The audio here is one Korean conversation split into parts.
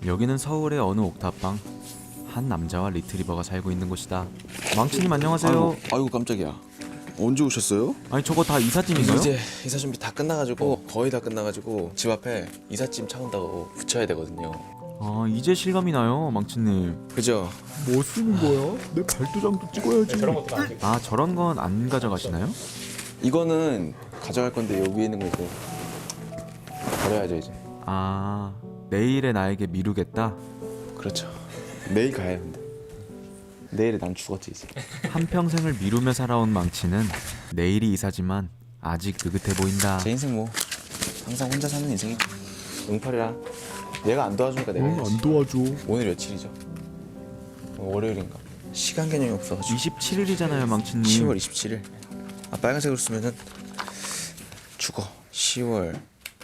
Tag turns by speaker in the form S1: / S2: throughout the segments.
S1: 여기는 서울의 어느 옥탑방. 한 남자와 리트리버가 살고 있는 곳이다. 망치님 안녕하세요.
S2: 아이고 깜짝이야. 언제 오셨어요?
S1: 아니 저거 다 이삿짐인가요?
S3: 이제 이사 준비 다 끝나가지고 거의 다 끝나가지고 집 앞에 이삿짐 차 온다고 붙여야 되거든요.
S1: 아 이제 실감이 나요 망치님.
S3: 그죠?
S4: 뭐 쓰는 거야? 내 발도장도 찍어야지.
S1: 아 저런 건 안 가져가시나요?
S3: 이거는 가져갈 건데 여기 있는 거 이거 버려야죠 이제.
S1: 아 내일의 나에게 미루겠다.
S3: 그렇죠. 내일 가야 근데. 내일에 난 죽었지 이제.
S1: 한평생을 미루며 살아온 망치는 내일이 이사지만 아직 느긋해 보인다.
S3: 제 인생 뭐 항상 혼자 사는 인생이 응팔이라 얘가 안 도와주니까 내가 해야지.
S4: 안 도와줘.
S3: 오늘 며칠이죠? 월요일인가? 시간 개념이 없어가지고
S1: 27일이잖아요 망치님.
S3: 10월 27일. 아 빨간색으로 쓰면은 죽어. 10월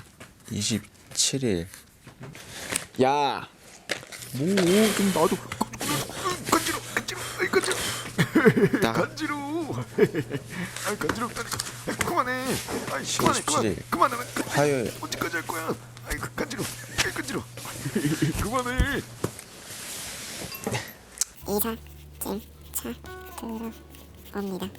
S3: 27일. 야!
S4: 뭐 좀 나도
S3: 나
S4: 간지러워. 아 간지럽다니까. 그만해. 아이
S3: 10월 17일
S4: 그만해.
S3: 화요일.
S4: 언제까지 할 거야? 아이 간지러워. 아이 간지러워. 그만해.
S5: 들어옵니다.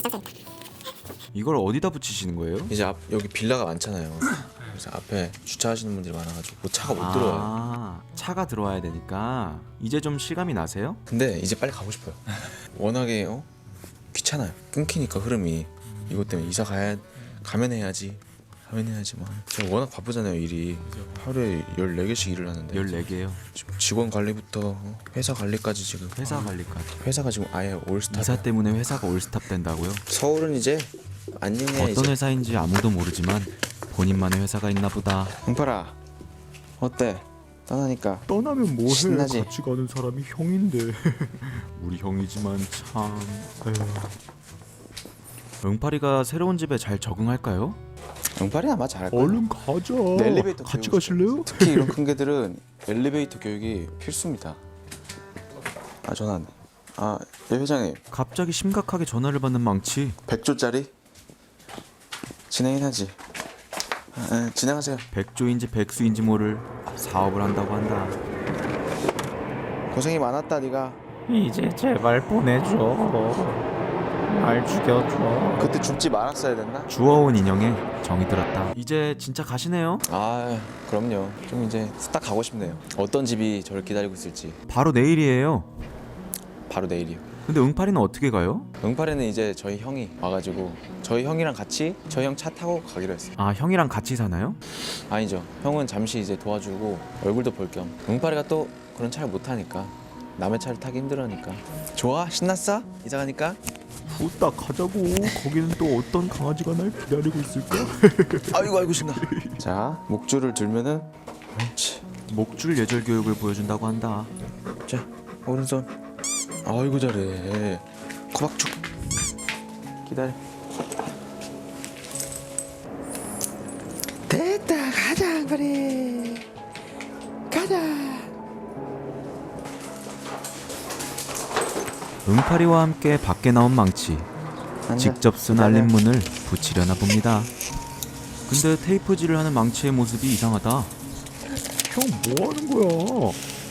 S1: 이걸 어디다 붙이시는 거예요?
S3: 이제 앞 여기 빌라가 많잖아요. 그래서 앞에 주차하시는 분들이 많아가지고 차가 못 들어와요.
S1: 아 차가 들어와야 되니까. 이제 좀 실감이 나세요?
S3: 근데 이제 빨리 가고 싶어요. 워낙에 귀찮아요. 끊기니까 흐름이. 이것 때문에 이사 가면 해야지 막. 제가 워낙 바쁘잖아요 일이. 하루에 14개씩 일을 하는데
S1: 14개요.
S3: 지금 직원 관리부터 회사 관리까지 지금.
S1: 회사 관리까지.
S3: 회사가 지금 아예 올스타.
S1: 이사 때문에 회사가 올스탑 된다고요?
S3: 서울은 이제 안녕해
S1: 어떤
S3: 이제.
S1: 회사인지 아무도 모르지만 본인만의 회사가 있나 보다.
S3: 응팔아 어때? 떠나니까
S4: 떠나면 뭐해?
S3: 신나지?
S4: 같이 가는 사람이 형인데.
S1: 우리 형이지만 참. 응파리가 새로운 집에 잘 적응할까요?
S3: 응팔이 아마 잘할 거야.
S4: 얼른 가자.
S3: 엘리베이터
S4: 같이
S3: 교육
S4: 가실래요?
S3: 특히 이런 큰 개들은 엘리베이터 교육이 필수입니다. 아 전화 안 돼. 예 회장님
S1: 갑자기 심각하게 전화를 받는 망치.
S3: 100조짜리 진행은 하지. 진행하세요.
S1: 백조인지 백수인지 모를 사업을 한다고 한다.
S3: 고생이 많았다 네가.
S6: 이제 제발 보내줘. 날 죽여줘.
S3: 그때 죽지 말았어야 됐나?
S1: 주워온 인형에 정이 들었다. 이제 진짜 가시네요?
S3: 아 그럼요. 좀 이제 후딱 가고 싶네요. 어떤 집이 저를 기다리고 있을지.
S1: 바로 내일이에요.
S3: 바로 내일이요.
S1: 근데 응파리는 어떻게 가요?
S3: 응팔에는 이제 저희 형이 와가지고 저희 형이랑 같이 저희 형 차 타고 가기로 했어요.
S1: 아 형이랑 같이 사나요?
S3: 아니죠. 형은 잠시 이제 도와주고 얼굴도 볼 겸. 응팔이가 또 그런 차를 못 타니까 남의 차를 타기 힘들으니까. 좋아? 신났어? 이사 가니까?
S4: 후딱 가자고. 거기는 또 어떤 강아지가 날 기다리고 있을까?
S3: 아이고 신나. 자 목줄을 들면은 그렇지.
S1: 목줄 예절 교육을 보여준다고 한다.
S3: 자 오른손. 아이고 잘해. 코박죽. 기다려. 됐다 가자 그래. 가자.
S1: 응파리와 함께 밖에 나온 망치. 직접 쓴 알림문을 붙이려나 봅니다. 근데 테이프질을 하는 망치의 모습이 이상하다.
S4: 형 뭐 하는 거야?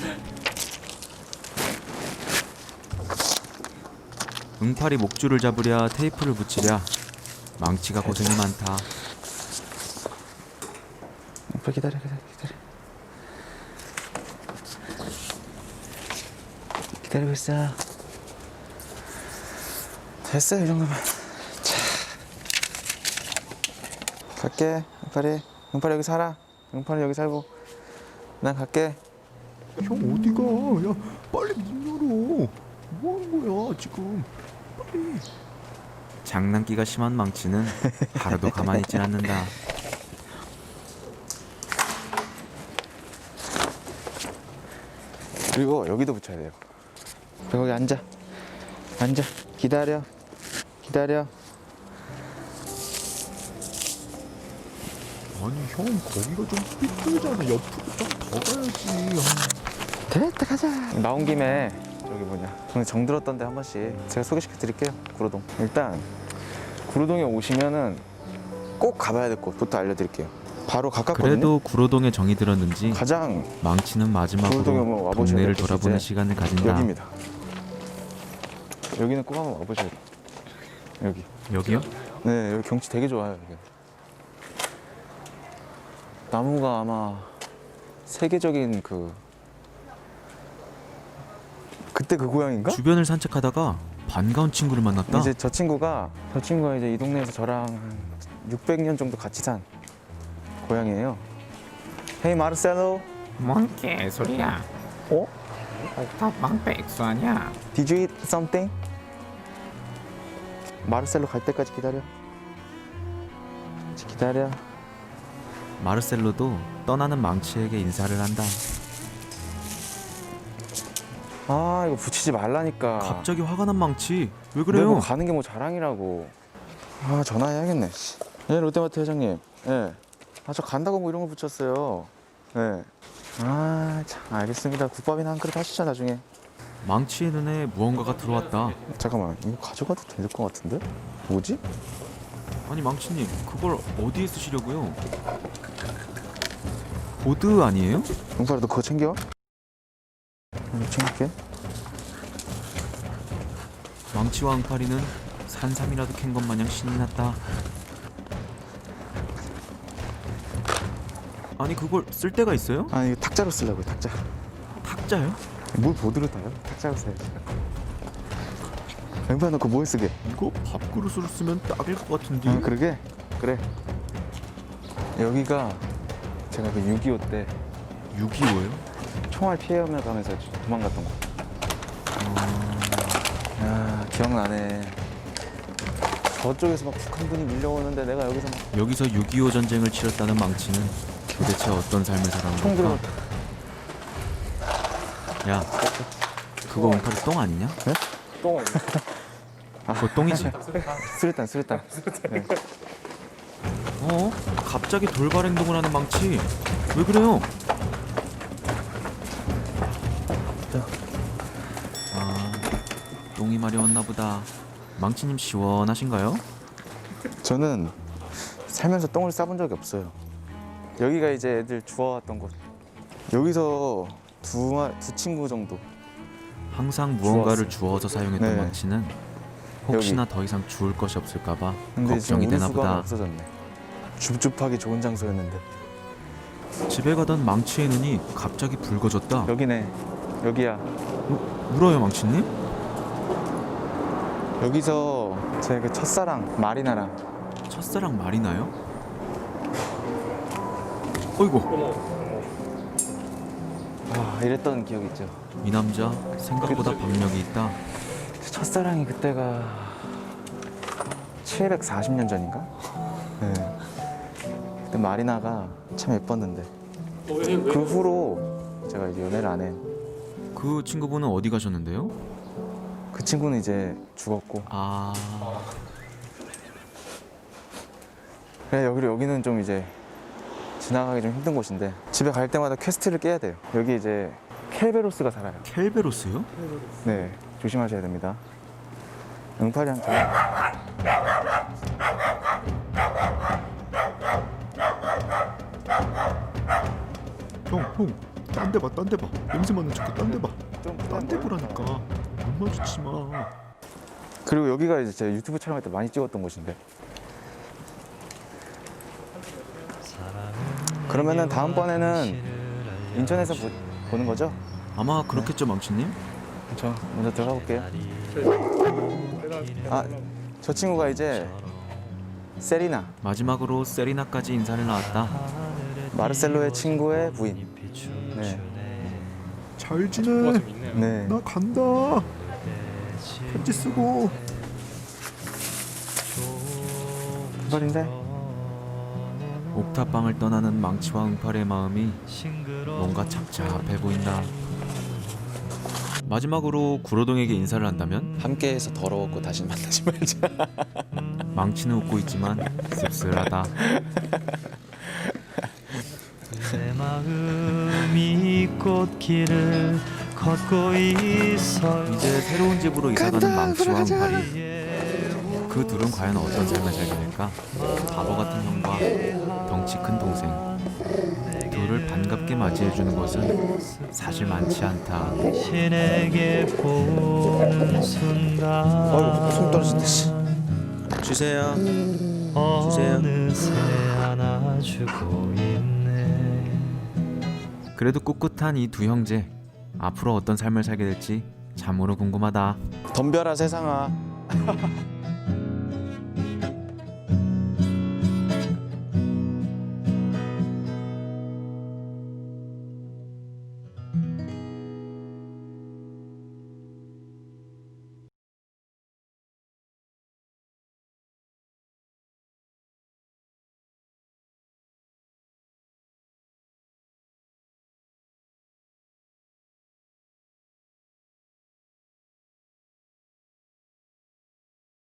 S1: 응파리 목줄을 잡으랴 테이프를 붙이랴 망치가 고생이 많다.
S3: 오빠 기다려. 기다리고 있어. 됐어 이 정도면. 자 갈게. 응팔이 여기 살아. 응팔이 여기 살고 난 갈게.
S4: 형 어디가? 야 빨리 문 열어. 뭐 하는 거야 지금? 빨리.
S1: 장난기가 심한 망치는 하루도 가만히 있진 않는다.
S3: 그리고 여기도 붙여야 돼요. 거기 앉아. 기다려.
S4: 아니 형 거기가 좀 삐뚤잖아. 옆으로 좀 더 가야지.
S3: 됐다 가자. 나온 김에 저기 오늘 정 들었던데 한 번씩 제가 소개시켜 드릴게요. 구로동. 일단 구로동에 오시면은 꼭 가봐야 될 곳부터 알려드릴게요. 바로 가깝거든요.
S1: 그래도 구로동에 정이 들었는지
S3: 가장
S1: 망치는
S3: 구로동에 한번
S1: 마지막으로
S3: 와보셔야
S1: 동네를
S3: 될 곳이
S1: 돌아보는
S3: 이제
S1: 시간을 가진다.
S3: 여기입니다. 여기는 꼭 한번 와보셔야 돼요. 여기.
S1: 여기요?
S3: 네, 여기 경치 되게 좋아요. 여기. 나무가 아마 세계적인 그때 그 고양인가?
S1: 주변을 산책하다가 반가운 친구를 만났다.
S3: 이제 저 친구가 이제 이 동네에서 저랑 600년 정도 같이 산 고양이에요. Hey 마르셀로,
S6: 뭔 개소리야.
S3: 어?
S6: 옥탑방 백수 아니야?
S3: Did you eat something? 마르셀로 갈 때까지 기다려. 기다려.
S1: 마르셀로도 떠나는 망치에게 인사를 한다.
S3: 아 이거 붙이지 말라니까.
S1: 갑자기 화가 난 망치. 왜
S3: 그래
S1: 그래요?
S3: 뭐 가는 게 뭐 자랑이라고. 아 전화해야겠네. 예 롯데마트 회장님. 예. 아 저 간다고 뭐 이런 거 붙였어요. 예. 아 참 알겠습니다. 국밥이나 한 그릇 하시죠 나중에.
S1: 망치의 눈에 무언가가 들어왔다.
S3: 잠깐만 이거 가져가도 될 것 같은데? 뭐지?
S1: 아니 망치님, 그걸 어디에 쓰시려고요? 보드 아니에요?
S3: 용팔아 너 그거 챙겨? 이거 챙길게.
S1: 망치와 응파리는 산삼이라도 캔 것 마냥 신이 났다. 아니 그걸 쓸 데가 있어요?
S3: 아 이거 탁자로 쓰려고요 탁자.
S1: 탁자요?
S3: 뭘 보드로 타요? 탁자로 써야지. 용팔아 너 그거 뭐에 쓰게?
S1: 이거 밥그릇으로 쓰면 딱일 것 같은데.
S3: 아 그러게? 그래. 여기가 제가 그 6.25 때
S1: 6.25요?
S3: 총알 피해가며 가면서 도망갔던 거. 야 기억나네. 저쪽에서 막 북한군이 밀려오는데 내가 여기서 막
S1: 여기서 6.25 전쟁을 치렀다는 망치는 도대체 어떤 삶을 살아온
S3: 총 들고
S1: 걸까? 야, 그거 응파리 똥 아니냐?
S3: 네? 똥.
S1: 그거 똥이지?
S3: 수류탄. 네.
S1: 어? 갑자기 돌발 행동을 하는 망치. 왜 그래요? 아, 똥이 마려웠나 보다. 망치님 시원하신가요?
S3: 저는 살면서 똥을 싸본 적이 없어요. 여기가 이제 애들 주워왔던 곳. 여기서 두 친구 정도.
S1: 항상 무언가를 주워서 사용했던
S3: 네.
S1: 망치는 혹시나 더 이상 주울 것이 없을까봐
S3: 근데 지금
S1: 걱정이
S3: 우리
S1: 되나
S3: 수거가
S1: 보다.
S3: 없어졌네. 줍줍하기 좋은 장소였는데.
S1: 집에 가던 망치의 눈이 갑자기 붉어졌다.
S3: 여기네. 여기야.
S1: 울어요 망치님?
S3: 여기서 제 그 첫사랑 마리나랑
S1: 첫사랑 마리나요? 어이구,
S3: 이랬던 기억이 있죠.
S1: 이 남자 생각보다 박력이 있다.
S3: 첫사랑이 그때가 740년 전인가? 네. 그때 마리나가 참 예뻤는데 그 후로 제가 이제 연애를 안 해.
S1: 그 친구분은 어디 가셨는데요?
S3: 그 친구는 이제 죽었고.
S1: 아,
S3: 그래 여기는 좀 이제 지나가기 좀 힘든 곳인데 집에 갈 때마다 퀘스트를 깨야 돼요. 여기 이제 켈베로스가 살아요.
S1: 켈베로스요?
S3: 네, 조심하셔야 됩니다. 응팔이한테.
S4: 형, 딴 데 봐, 딴 데 봐. 냄새 맡는 척해, 딴 데 봐. 딴 데 보라니까. 눈 마주치지 마.
S3: 그리고 여기가 이제 제가 유튜브 촬영할 때 많이 찍었던 곳인데. 그러면은 다음번에는 인천에서 보는 거죠?
S1: 아마 그렇겠죠 망치님?
S3: 저 먼저 들어가 볼게요. 저 친구가 이제 세리나,
S1: 마지막으로 세리나까지 인사를 나왔다.
S3: 마르셀로의 친구의 부인. 네.
S4: 잘 지내.
S3: 네.
S4: 나 간다. 편지 쓰고.
S3: 말인데
S1: 옥탑방을 떠나는 망치와 응팔의 마음이 뭔가 착잡해 보인다. 마지막으로 구로동에게 인사를 한다면
S3: 함께해서 더러웠고 다시 만나지 말자.
S1: 망치는 웃고 있지만 씁쓸하다.
S7: 내 마음이 꽃길을 걷고 있어요.
S1: 이제 새로운 집으로 이사가는 망치와 응팔이. 그 그 둘은 과연 어떤 삶을 살게 될까? 바보 같은 형과 덩치 큰 동생, 둘을 반갑게 맞이해주는 것은 사실 많지 않다.
S7: 신에게 보는 순간
S3: 손 떨어진다. 주세요.
S7: 어느새 안아주고 있네.
S1: 그래도 꿋꿋한 이 두 형제, 앞으로 어떤 삶을 살게 될지 참으로 궁금하다.
S3: 덤벼라 세상아.